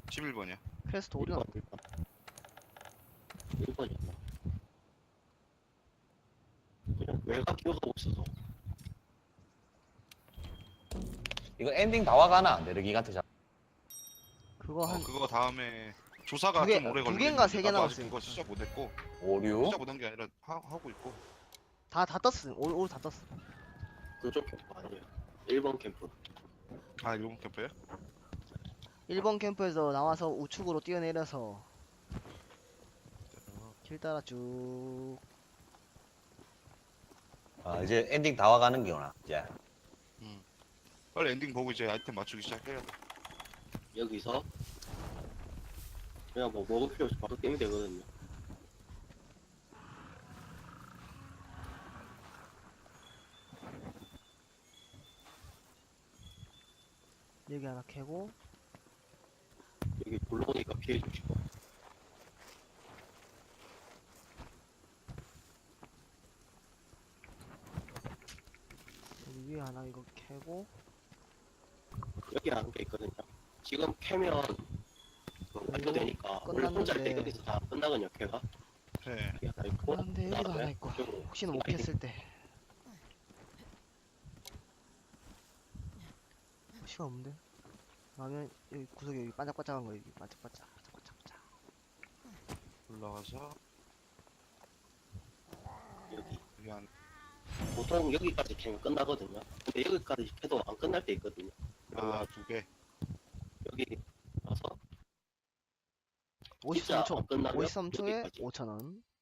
11번이야. 퀘스트 오류나 1번이었나? 그냥 외곽 기억하고 있어서. 이거 엔딩 다 와가나? 내르기간트 잡. 그거 한 그거 다음에 조사가 두 개- 좀 오래 두 걸리는. 개인가 세개 나도 아직 남았어요. 그거 시작 못했고. 오류? 시작 못한 게 아니라 하고 있고. 다 떴음. 올 다 떴어. 그쪽 캠프 아니에요. 1번 캠프. 아 일본 캠프야? 1번 캠프에서 나와서 우측으로 뛰어내려서 길 따라 쭉 아, 이제 엔딩 다 와가는 거구나. 이제. 빨리 엔딩 보고 이제 아이템 맞추기 시작해야 돼. 여기서 그냥 뭐 먹을 필요 없이 바로 게임이 되거든요. 여기 하나 캐고 여기 불러오니까 피해 주시고. 여기 위에 하나 이거 캐고 여기 하는 게 있거든요. 지금 캐면 그 완료되니까 원래 혼자 할 때 끝났는데. 여기서 다 끝나거든요. 캐가 네. 여기 하나 있고. 그런데 여기도 그다음에 하나 있고 이쪽으로 혹시나 못 캤을 때 시간 없는데? 그러면 여기 구석에 여기 반짝반짝한 거 여기 반짝반짝 반짝반짝 올라가서 여기 여기 한 보통 여기까지 캐면 끝나거든요. 근데 여기까지 캐도 안 끝날 때 있거든요. 두 개. 여기 와서 53초 끝나면 53초에 여기까지. 5,000원